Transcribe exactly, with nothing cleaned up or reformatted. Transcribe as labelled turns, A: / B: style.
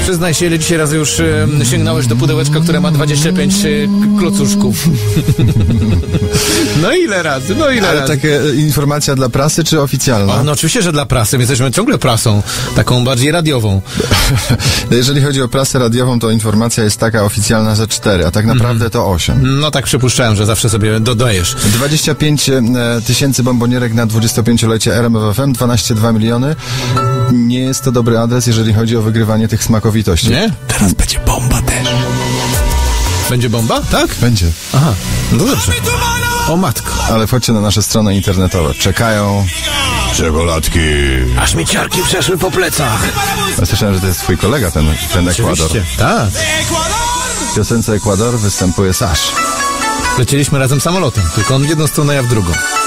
A: Przyznaj się, ile dzisiaj razy już e, sięgnąłeś do pudełeczka, które ma dwadzieścia pięć e, klocuszków. No ile razy, no ile
B: Ale
A: razy.
B: taka informacja dla prasy, czy oficjalna?
A: O, no oczywiście, że dla prasy. My jesteśmy ciągle prasą, taką bardziej radiową.
B: Jeżeli chodzi o prasę radiową, to informacja jest taka oficjalna, że cztery, a tak naprawdę mm. to osiem.
A: No tak przypuszczałem, że zawsze sobie dodajesz.
B: dwadzieścia pięć tysięcy bombonierek na dwudziestopięciolecie R M F F M, dwanaście przecinek dwa miliony. Nie jest to dobry adres, jeżeli chodzi o wygrywanie tych smakowitości.
A: Nie? Teraz będzie bomba też. Będzie bomba? Tak?
B: Będzie.
A: Aha, no dobrze. O matko.
B: Ale wchodźcie na nasze strony internetowe. Czekają czekoladki.
A: Aż mi ciarki przeszły po plecach.
B: Ja słyszałem, że to jest twój kolega, ten, ten Ekwador.
A: Oczywiście, tak.
B: W piosence Ekwador występuje Sasz.
A: Lecieliśmy razem samolotem, tylko on w jedną stronę, ja w drugą.